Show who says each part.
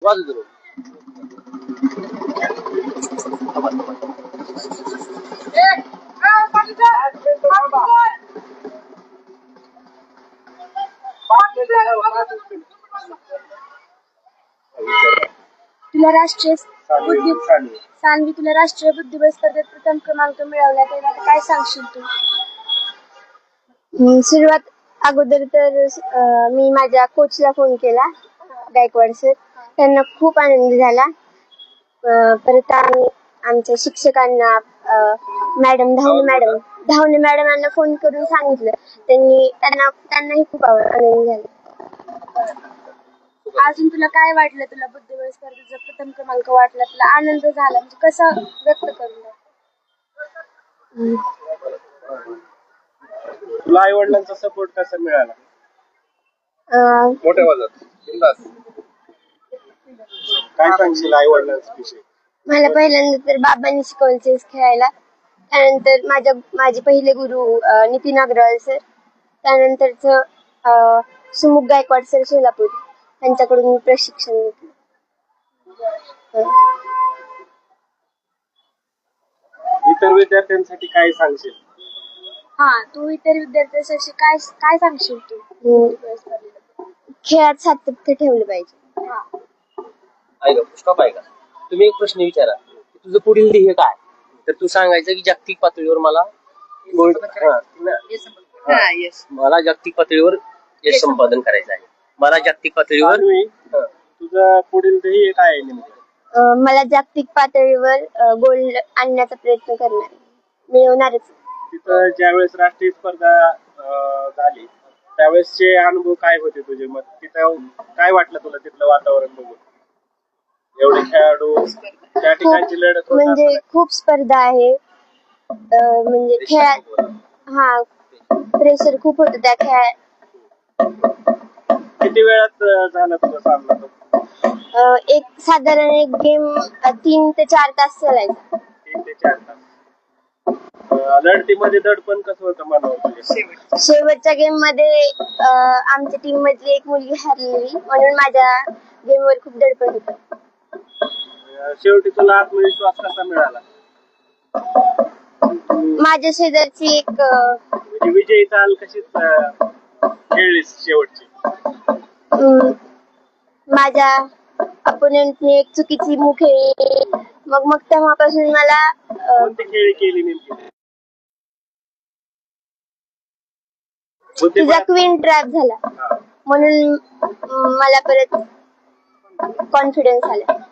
Speaker 1: वाजू दे.
Speaker 2: तुला राष्ट्रीय सान्वी तुला राष्ट्रीय बुद्धिबळ स्पर्धेत प्रथम क्रमांक मिळवला तेव्हा काय सांगशील तू? सुरुवात अगोदर तर मी माझ्या कोचला फोन केला, गायकवाड सर. त्यांना खूप आनंद झाला. परत आम्ही आमच्या शिक्षकांना धावणे मॅडमांना फोन करून सांगितलं. त्यांनाही खूप आनंद झाला. अजून तुला काय वाटलं? तुला बुद्धिबळ स्पर्धेचा प्रथम क्रमांक वाटला, तुला आनंद झाला, म्हणजे कसं व्यक्त करून?
Speaker 1: तुला आई वडिलांचा सपोर्ट कसा मिळाला? मोठ्या आवाजात बिनधास्त. काय सांगशील आई वडिलांविषयी?
Speaker 2: मला पहिल्यांदा तर बाबांनी शिकवलं चेस खेळायला. त्यानंतर माझे पहिले गुरु नितीन अग्रवाल सर. त्यानंतरच सुमुख गायकवाड सर सोलापूर, त्यांच्याकडून मी प्रशिक्षण घेतलं.
Speaker 1: इतर विद्यार्थ्यांसाठी काय सांगशील?
Speaker 2: तू इतर विद्यार्थ्यांसाठी काय सांगशील तू? खेळात सातत्य ठेवलं पाहिजे.
Speaker 3: ऐका स्टॉप ऐका. तुम्ही एक प्रश्न विचारा, तुझं पुढील ध्येय काय? तर तू सांगायचं की जागतिक पातळीवर मला मला जागतिक पातळीवर यश संपादन करायचं आहे. मला जागतिक पातळीवर
Speaker 1: तुझं पुढील ध्येय काय आहे नेमकं?
Speaker 2: मला जागतिक पातळीवर गोल्ड आणण्याचा प्रयत्न करणार, मिळवणारच.
Speaker 1: तिथं ज्यावेळेस राष्ट्रीय स्पर्धा झाली त्यावेळेसचे अनुभव काय होते तुझे? मग तिथं काय वाटलं तुला तिथलं वातावरण बघून? एवढे खेळाडू त्या ठिकाणची लढत
Speaker 2: म्हणजे खूप स्पर्धा आहे. म्हणजे खेळात प्रेशर खूप होतं त्या खेळात.
Speaker 1: किती वेळात झाला तुझा सामना?
Speaker 2: साधारण एक गेम 3 ते 4 तास चालायचा.
Speaker 1: 3 ते 4 तास. लढतीमध्ये दडपण कसं होतं मनावर?
Speaker 2: शेवटच्या गेम मध्ये आमच्या टीम मधली एक मुलगी हरलेली, म्हणून माझ्या गेमवर खूप दडपण होतं.
Speaker 1: शेवटी तुला आत्मविश्वास कसा मिळाला?
Speaker 2: माझ्या शेजारची एक
Speaker 1: म्हणजे विजयी चाल कशी खेळलीस शेवटची?
Speaker 2: माझ्या अपोनेंटने एक चुकीची मूव खेळली. मग तेव्हापासून मला
Speaker 1: कोणती खेळी केली नेमकी?
Speaker 2: तिचा क्वीन ट्रॅप झाला, म्हणून मला परत कॉन्फिडन्स आला.